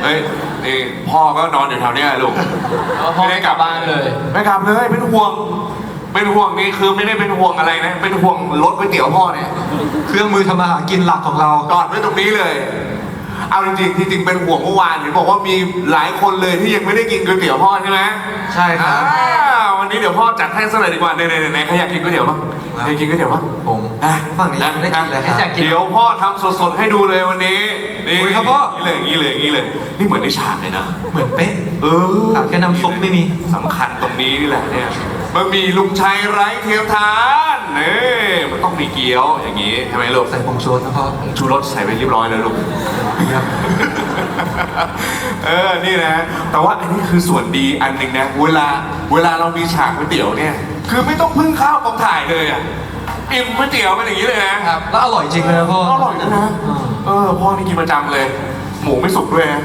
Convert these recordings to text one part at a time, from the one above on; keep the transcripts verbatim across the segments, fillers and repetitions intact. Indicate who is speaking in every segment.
Speaker 1: เฮ้ยนี่พ่อก็นอนอยู่แถวเนี้ยลูก
Speaker 2: พ่อไม่กลับบ้านเลย
Speaker 1: ไม่กลับเลยเป็นห่วงเป็นห่วงนี่คือไม่ได้เป็นห่วงอะไรนะเป็นห่วงรถก๋วยเตี๋ยวพ่อเนี่ย
Speaker 3: เครื่องมือทำมาหากินหลักของเรา
Speaker 1: จอดไว้ตรงนี้เลย เอาจริงๆที่จริงเป็นห่วงเมื่อวานเห็นบอกว่ามีหลายคนเลยที่ยังไม่ได้กินก๋วยเตี๋ยวพ่อใช่ไหม
Speaker 3: ใช่ครับ
Speaker 1: อ่าวันนี้เดี๋ยวพ่อจัดให้สักหน่อยดีกว่าไหนไหนไหนใครอยากกินก๋วยเตี๋ยวบ้างใครอยากกินก๋วยเตี๋ยวบ้าง
Speaker 3: ผม
Speaker 1: อ่ะ
Speaker 3: ฝั่งนี้ยังไม่ได้กินเลยครับ
Speaker 1: เดี๋ยวพ่อทำสดๆให้ดูเลยวันนี้นี่
Speaker 3: อุ๊ยครับพ่อ
Speaker 1: นี่เลยนี่เลยนี่เลยนี่เหมือนในฉากเลยนะ
Speaker 3: เหมือนเป๊ะ
Speaker 1: เออ
Speaker 3: ขาดแค่น้ำซุปไม่มี
Speaker 1: สำคัญตรงนี้นี่แหละเนี่ยบะหมี่ลุงชัยไร้เทียมทานนี่มันต้องมีเกี๊ยวอย่างนี้ใช่ไหมลูก
Speaker 3: ใส่ผงชูรสนะพ่อ
Speaker 1: ผงชูรสใส่ไปเรียบร้อยแล้วลูก
Speaker 3: ครับ
Speaker 1: เออ นี่นะ แต่ว่าอันนี้คือส่วนดีอันหนึ่งนะ เวลา เวลาเรามีฉากก๋วยเตี๋ยวเนี่ย คือไม่ต้องพึ่งข้าวกองถ่ายเลยอ่ะ อิ่มก๋วยเตี๋ยวเป็นอย่างนี้เลยนะครับ
Speaker 3: แล้วอร่อยจริงเลยนะพ่อ
Speaker 1: อร่อยนะนะ เออ พ่อนี่กินประจำเลย หมูไม่สุกด้วยนะ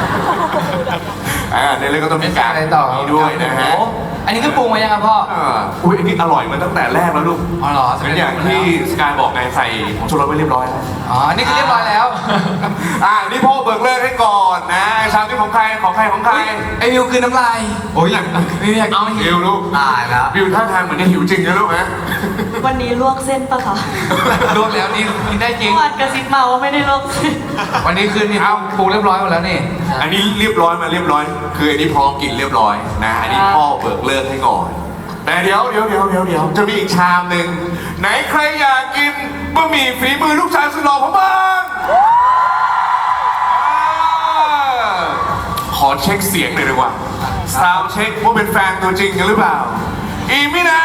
Speaker 1: อ่าในเรื่องก็ต้องมีการ
Speaker 2: อะไรต่อ
Speaker 1: นี้ด้วยนะฮะ
Speaker 2: โอ้อันนี้คือปรุงมายังครับพ่อ
Speaker 1: อ่าอุ้ยอันนี้อร่อยมาตั้งแต่แรกแล้วลูก
Speaker 2: อ๋อเหรอ
Speaker 1: เป็นอย่างที่สกายบอกไงใส่ผงชูรสไว้เรียบร้อยแล้ว
Speaker 2: อ๋ออันนี่คือเรียบร้อยแล้ว
Speaker 1: อ่านี่พ่อเบิกเลิกให้ก่อนนะชามที่ของใครของใครของใคร
Speaker 2: ไอวิวคือน้ำลาย
Speaker 3: โอ้ย
Speaker 2: วิวอยากเอาหิ
Speaker 1: บิ
Speaker 2: ว
Speaker 1: วลูก
Speaker 3: ตายแล้ว
Speaker 1: บิวท่าทางเหมือนจะหิวจริงนะลูกนะ
Speaker 4: วันนี้ลวกเส้นปะคะ
Speaker 2: ลวกแล้วนี่กินได้จริง
Speaker 4: เมื่อวานกระซิบมาว่าไม่ได้ลวกเส้น
Speaker 2: วันนี้คือนี่เอาปรุงเรียบร้อยหมดแล้วนี่
Speaker 1: อันนี้เรียบร้อยมาเรียบร้อย คืออันนี้พร้อมกินเรียบร้อยนะอันนี้พ่อเบิกเลิกให้ก่อนแต่เดี๋ยวเดี๋ยวเดี๋ยวเดี๋ยวเดี๋ยวจะมีอีกชามหนึ่งไหนใครอยากกินบะหมี่ฝีมือลูกชายสุดหล่อผมบ้างอ่าขอเช็คเสียงหน่อยดีกว่าซาวเช็คว่าเป็นแฟนตัวจริงกันหรือเปล่าอีมินา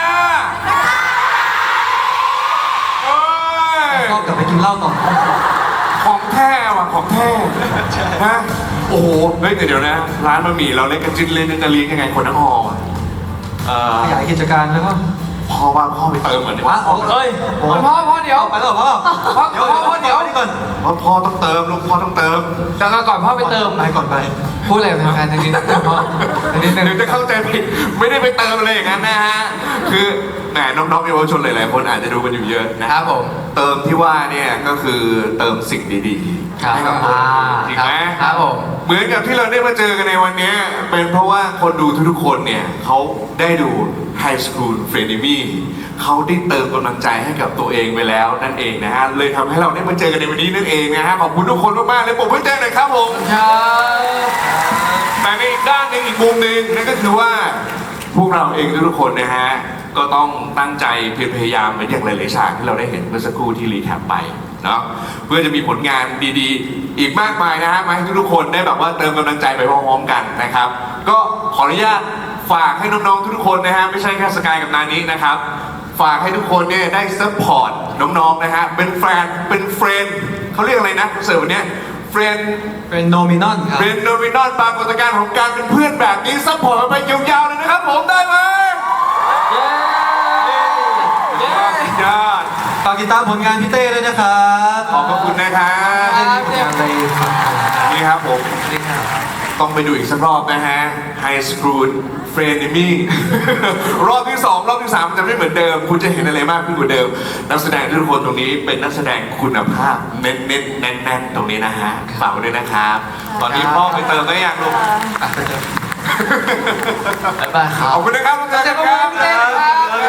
Speaker 1: เอ้ย
Speaker 3: พ่อกลับไปกินเหล้าต่อ
Speaker 1: ของแท้ว่ะของแท้ฮะโอ้โหเฮ้ยแต่เดี๋ยวนะ ร้านบะหมี่เราเล่นกันจิ้นเล่นกันจะเลี้ยงยังไงคนทั้งหออ่ะเอ่อ
Speaker 3: ขยายกิจการแล้วก็
Speaker 1: พ่อว่าพ่อไปเติมเหมือน
Speaker 3: ว้า
Speaker 1: ว่า
Speaker 3: เอ้ย
Speaker 2: พ่อพ่อพ่อเดี๋ยว
Speaker 3: ไปแล้วเหรอพ่อ
Speaker 2: พ่อพ่อพ่อเดี๋ยว
Speaker 3: นี่ก่อน
Speaker 1: ว่าพ่อต้องเติมลูกพ่อต้องเติม
Speaker 2: แต่ก่อนพ่อไปเติม
Speaker 3: ไปก่อนไป
Speaker 2: พูดอะไรเป็นแฟนทางนี้นะพ่อทางนี้นึง
Speaker 1: เดี๋ยวจะเข้าใจผิดไม่ได้ไปเติมอะไรอย่างนั้นนะฮะคือแหมน้องๆเยาวชนหลายๆคนอาจจะดูกันอยู่เยอะนะครับ
Speaker 2: ผม
Speaker 1: เติมที่ว่าเนี่ยก็คือเติมสิ่งดีๆให้กับคนจริงไหม
Speaker 2: ครับผม
Speaker 1: เหมือนกับที่เราได้มาเจอกันในวันนี้เป็นเพราะว่าคนดูทุกๆคนเนี่ยเขาได้ดู High School f r e n e m y เขาได้เติมกำลังใจให้กับตัวเองไปแล้วนั่นเองนะฮะเลยทำให้เราได้มาเจอกันในวันนี้นั่นเองนะฮะขอบคุณทุกคนมากๆเลยผมเพิ่งเจอหน่อยครับผม
Speaker 2: ครับ
Speaker 1: แต่ในอีกด้านหนึ่งอีกมุมหนึ่งนั่นก็คือว่าพวกเราเองทุกๆคนนะฮะก็ต้องตั้งใจเพียรพยายามเหมือนอย่างหลายๆฉากที่เราได้เห็นเมื่อสักครู่ที่รีแคปไปเนาะเพื่อจะมีผลงานดีๆ อีกมากมายนะฮะมาให้ทุกๆคนได้แบบว่าเติมกำลังใจไปพร้อมๆกันนะครับ ก็ขออนุญาตฝากให้น้องๆทุกๆคนนะฮะไม่ใช่แค่สกายกับนานี้นะครับฝากให้ทุกคนเนี่ยได้ซัพพอร์ตน้องๆนะฮะเป็นแฟนเป็นเฟรนด์เขาเรียกอะไรนะคอนเสิร์ตวันเนี้ยเฟรนด์
Speaker 3: เป็นโนมินอนครับ
Speaker 1: เป็นโนมินอลปรากฏการณ์ของการเป็นเพื่อนแบบนี้ซัพพอร์ตกันไปยาวๆเลยนะครับผมได้ไหม
Speaker 2: เย้เย้
Speaker 1: ยอด
Speaker 3: ฝากติดตามผลงานพี่เต้ด้วยนะครับ
Speaker 1: ขอบพระคุณนะครับ
Speaker 3: เล่นผลงานในฝั่งไทย
Speaker 1: นี่ครับผม
Speaker 3: นี่ครับ
Speaker 1: ต้องไปดูอีกสักรอบนะฮะ High School f r e n e m y รอบที่สองรอบที่สามมันจะไม่เหมือนเดิม คุณจะเห็นอะไรมากขึ้นกว่าเดิม นักแสดงทุกคนตรงนี้เป็นนักแสดงคุณภาพเน้นเน้นแน่นแน่นๆตรงนี้นะฮะฝากไว้ด้วยนะครับ ตอนนี้พ่อไปเติมได้ยังลูก
Speaker 3: อ่ะไปเจอ
Speaker 2: บ๊ายบายครั
Speaker 1: ข
Speaker 2: บ
Speaker 1: อบคุณนะครับทุกท่านครับ
Speaker 2: ขอบคุณพี่เต้นะครับ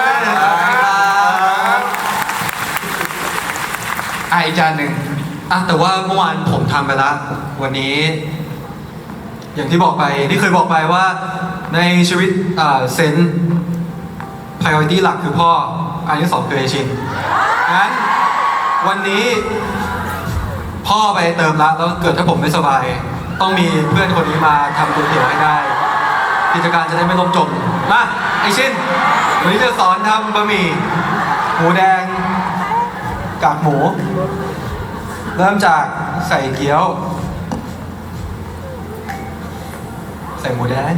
Speaker 2: อ่ะอีกจานหนึ่ง
Speaker 3: อ่ะแต่ว่าเมื่อวานผมทำไปแล้ว วันนี้ อย่างที่บอกไปที่เคยบอกไปว่าในชีวิตอ่าเซน priority หลักคือพ่อ อันที่สองคือเอชินงั้นวันนี้พ่อไปเติมละแล้วเกิดถ้าผมไม่สบาย ต้องมีเพื่อนคนนี้มาทำก๋วยเตี๋ยวให้ได้ กิจการจะได้ไม่ล่มจมมาไอชินวันนี้จะสอนทำบะหมี่หมูแดงกากหมู เริ่มจากใส่เกี๊ยว ใส่หมูแดง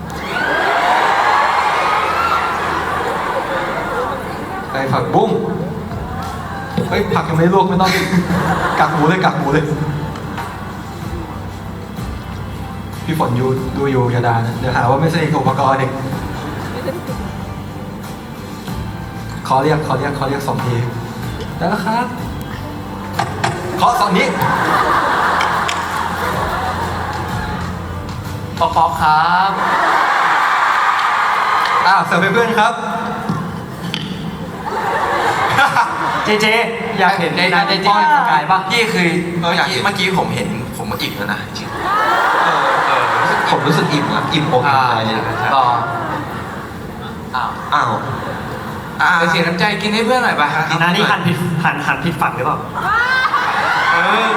Speaker 3: ใส่ผักบุ้งเฮ้ยผักยังไม่ลวกไม่ต้อง กักหมูเลยกักหมูเลย พี่ฝนอยู่ดูอยู่อย่าด่านะเดี๋ยวหาว่าไม่สนิทกับอุปกรณ์อีกขอเรียกขอเรียกขอเรียกสองทีได้แล้วครับขอสองนี้
Speaker 2: ป๊อกป๊อกครับ
Speaker 3: อ้าวเสิร์ฟให้เพื่อนครับ
Speaker 5: เจเจอยากเห็นนายเจเจสกายปะ
Speaker 2: พี่คือ
Speaker 6: เออเมื่อกี้เมื่อกี้ผมเห็นผมก็อิ่มแล้วนะจริง
Speaker 3: ผมรู้สึกอิ่มนะอิ่มอกอิ่มใจ
Speaker 2: ต่อ
Speaker 6: อ้าวอ่า
Speaker 2: ไปเสียน้ำใจกินให้เพื่อนหน่อยไป
Speaker 5: นานี่หันผิดหันหันผิดฝั่งหรือเปล่า
Speaker 6: เออ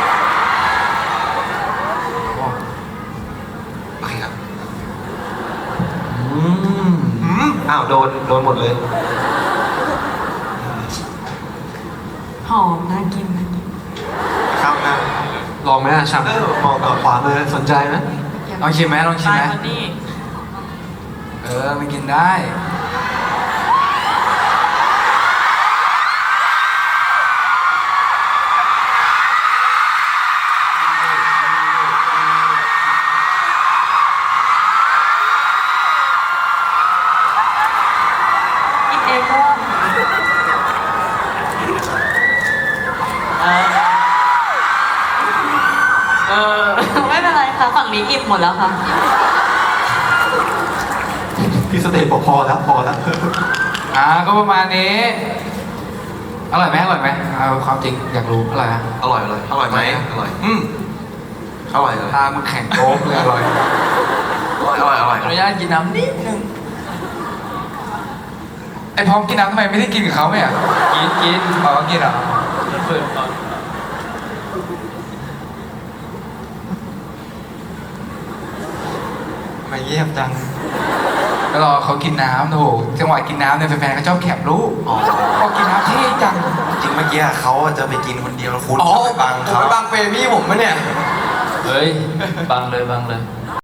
Speaker 6: โอเคครับ
Speaker 3: อืม
Speaker 6: อืม
Speaker 3: อ้าวโดนโดนหมดเลย
Speaker 4: หอมน่ากินน่ากิน
Speaker 6: ครับนะ
Speaker 3: ลองไหมอ่ะชัม
Speaker 6: เออ
Speaker 3: มองกับขวามือสนใจไหม
Speaker 2: ลองชิมไหมลองชิม
Speaker 4: ตาย
Speaker 2: ไหม
Speaker 4: วันนี้
Speaker 2: เออไม่กินได้
Speaker 4: กินเองก็เออไม่เป็นไรค่ะ ฝั่งนี้อิ่มหมดแล้วค่ะ
Speaker 3: พี่สเตย์บอกพอแล้วพอแล้ว
Speaker 2: อ่าก็ประมาณนี้ อร่อยไหมอร่อยไหมเอาความจริงอยากรู้อร่อยไหม
Speaker 6: อร่อยอร่อยอร่อยไหมอร่อยอืมอร่อยเลย
Speaker 2: ตามึงแข็งโป๊กเลยอร่อย
Speaker 6: อร่อยอร่อยอ
Speaker 2: ขอ
Speaker 6: ร่อย
Speaker 2: อนุญาตกินน้ำนิดนึงไอพร้อมกินน้ำทำไมไม่ได้กินกับเขาไหมอ่ะกินกินอ๋อกินเหรอเปิดก่อน
Speaker 3: ไม่เยี่ยมจัง
Speaker 2: ก็รอเขากินน้ำโถจังหวะกินน้ำเนี่ยแฟนๆเขาชอบแคบรู้
Speaker 6: อ๋อ
Speaker 2: พอกินน้ำเท่จัง
Speaker 6: จริงเมื่อกี้เขาจะไปกินคนเดียวแล้วคุณ
Speaker 3: อ๋อ
Speaker 6: ไปบัง
Speaker 3: ผม
Speaker 6: เขา
Speaker 3: ไปบังเฟรมี่ผมมะเนี่ย
Speaker 2: เฮ้ย บังเลยบังเลย